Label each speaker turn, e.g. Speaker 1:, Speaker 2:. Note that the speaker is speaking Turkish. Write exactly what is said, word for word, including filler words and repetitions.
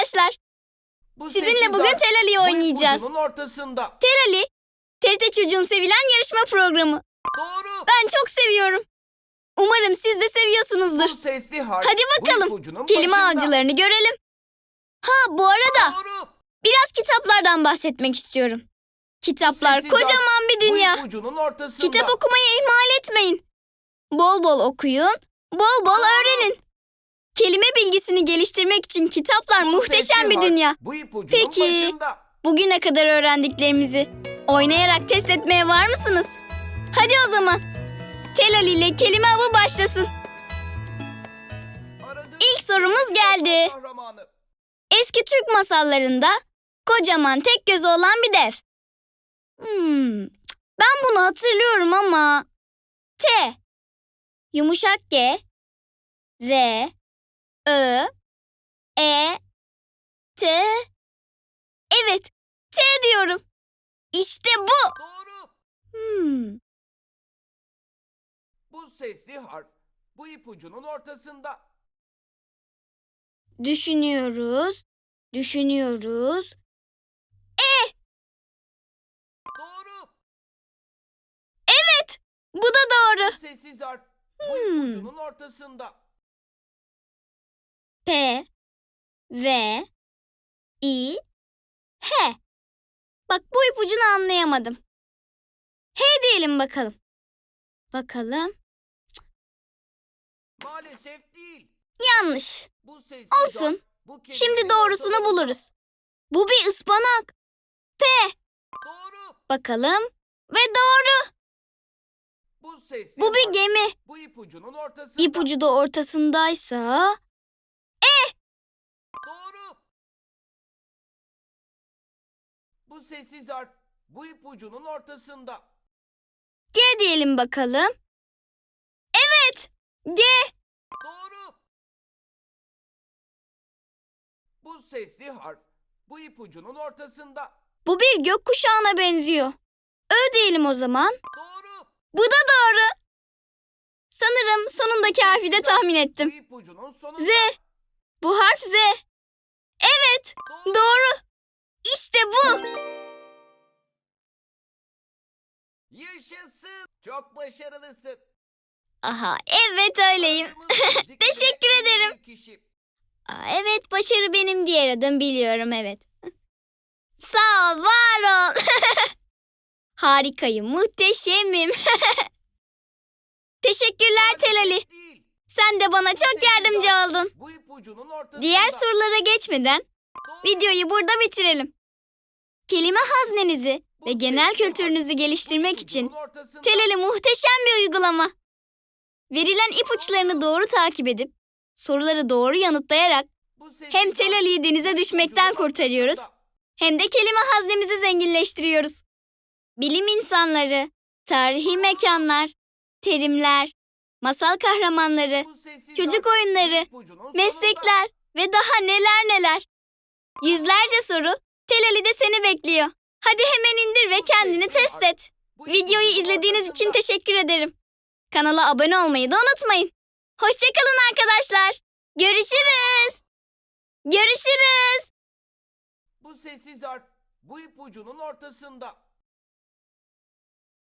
Speaker 1: arkadaşlar.
Speaker 2: Bu
Speaker 1: Sizinle
Speaker 2: sekiz
Speaker 1: bugün
Speaker 2: harf
Speaker 1: Tel Ali'yi
Speaker 2: bu
Speaker 1: oynayacağız.
Speaker 2: ipucunun ortasında.
Speaker 1: Tel Ali, T R T Çocuğun sevilen yarışma programı.
Speaker 2: Doğru.
Speaker 1: Ben çok seviyorum. Umarım siz de
Speaker 2: Bu
Speaker 1: seviyorsunuzdur.
Speaker 2: sesli harf
Speaker 1: Hadi
Speaker 2: bu
Speaker 1: bakalım,
Speaker 2: ipucunun
Speaker 1: kelime
Speaker 2: başında.
Speaker 1: avcılarını görelim. Ha, bu arada
Speaker 2: Doğru.
Speaker 1: biraz kitaplardan bahsetmek istiyorum. Kitaplar
Speaker 2: Sessiz harf
Speaker 1: kocaman bir dünya.
Speaker 2: Bu ipucunun ortasında.
Speaker 1: Kitap okumayı ihmal etmeyin. Bol bol okuyun, bol bol öğrenin. Kelime bilgisini geliştirmek için kitaplar
Speaker 2: Bu
Speaker 1: muhteşem
Speaker 2: sesli
Speaker 1: bir
Speaker 2: harf
Speaker 1: dünya.
Speaker 2: Bu ipucunun
Speaker 1: Peki,
Speaker 2: başında.
Speaker 1: bugüne kadar öğrendiklerimizi oynayarak test etmeye var mısınız? Hadi o zaman. Tel Ali ile kelime avı başlasın.
Speaker 2: Aradığınız
Speaker 1: İlk sorumuz
Speaker 2: bir
Speaker 1: geldi.
Speaker 2: masal kahramanı.
Speaker 1: Eski Türk masallarında kocaman tek gözü olan bir dev. Hmm, ben bunu hatırlıyorum ama... T, yumuşak G, V, Ö, E, T... Evet, T diyorum. İşte bu.
Speaker 2: Doğru.
Speaker 1: Hmm,
Speaker 2: Bu sesli harf bu ipucunun ortasında.
Speaker 1: düşünüyoruz, düşünüyoruz.
Speaker 2: Doğru.
Speaker 1: Bu da doğru.
Speaker 2: Bu sessiz harf bu
Speaker 1: Hmm.
Speaker 2: ipucunun ortasında.
Speaker 1: P, V, I, H. Bak, bu ipucunu anlayamadım. H diyelim bakalım. Bakalım.
Speaker 2: Maalesef değil.
Speaker 1: Yanlış.
Speaker 2: Bu sessiz
Speaker 1: Olsun.
Speaker 2: harf bu kelimenin
Speaker 1: Şimdi doğrusunu
Speaker 2: ortalarında.
Speaker 1: buluruz. Bu bir ıspanak.
Speaker 2: Doğru.
Speaker 1: Bakalım. Ve doğru.
Speaker 2: Bu sesli
Speaker 1: Bu bir
Speaker 2: harf
Speaker 1: gemi.
Speaker 2: bu ipucunun ortasında.
Speaker 1: İpucu da ortasındaysa...
Speaker 2: Doğru. Bu sessiz harf bu ipucunun ortasında.
Speaker 1: G diyelim bakalım. Evet. G.
Speaker 2: Doğru. Bu sesli harf bu ipucunun ortasında.
Speaker 1: Bu bir gökkuşağına benziyor. Ö diyelim o zaman.
Speaker 2: Doğru.
Speaker 1: Bu da doğru. Sanırım sonundaki harfi de tahmin
Speaker 2: Bu
Speaker 1: ettim.
Speaker 2: ipucunun sonunda.
Speaker 1: Z. Bu harf Z. Evet.
Speaker 2: Doğru.
Speaker 1: Doğru. İşte bu.
Speaker 2: Yaşasın. Çok başarılısın.
Speaker 1: Aha, evet öyleyim.
Speaker 2: Aradığımız dikkat
Speaker 1: Teşekkür
Speaker 2: ettiğimiz
Speaker 1: ederim.
Speaker 2: bir kişi.
Speaker 1: Aa, evet, başarı benim diğer adım, biliyorum, evet. Sağ ol, var ol. Harikayım, muhteşemim. Teşekkürler Tel Ali.
Speaker 2: Değil.
Speaker 1: Sen de bana
Speaker 2: Bu
Speaker 1: çok
Speaker 2: sessiz
Speaker 1: yardımcı
Speaker 2: harf
Speaker 1: oldun.
Speaker 2: Bu ipucunun ortasında.
Speaker 1: Diğer sorulara geçmeden
Speaker 2: Doğru.
Speaker 1: videoyu burada bitirelim. Kelime haznenizi
Speaker 2: Bu
Speaker 1: ve genel
Speaker 2: sessiz harf
Speaker 1: kültürünüzü
Speaker 2: bu
Speaker 1: geliştirmek için
Speaker 2: ipucunun ortasında.
Speaker 1: Tel Ali muhteşem bir uygulama. Verilen ipuçlarını doğru takip edip soruları doğru yanıtlayarak
Speaker 2: Bu sessiz
Speaker 1: hem Tel
Speaker 2: harf
Speaker 1: Ali'yi denize
Speaker 2: bu
Speaker 1: düşmekten
Speaker 2: ipucunun
Speaker 1: kurtarıyoruz,
Speaker 2: ortasında.
Speaker 1: hem de kelime haznemizi zenginleştiriyoruz. Bilim insanları, tarihi mekanlar, terimler, masal kahramanları,
Speaker 2: Bu sessiz
Speaker 1: çocuk
Speaker 2: harf
Speaker 1: oyunları,
Speaker 2: bu ipucunun sonunda.
Speaker 1: meslekler ve daha neler neler. Yüzlerce soru Tel Ali'de seni bekliyor. Hadi hemen indir ve kendini test et.
Speaker 2: Bu
Speaker 1: Videoyu
Speaker 2: ipucunun
Speaker 1: izlediğiniz için
Speaker 2: ortasında.
Speaker 1: teşekkür ederim. Kanala abone olmayı da unutmayın. Hoşçakalın arkadaşlar. Görüşürüz. Görüşürüz.
Speaker 2: Bu sessiz harf bu ipucunun ortasında.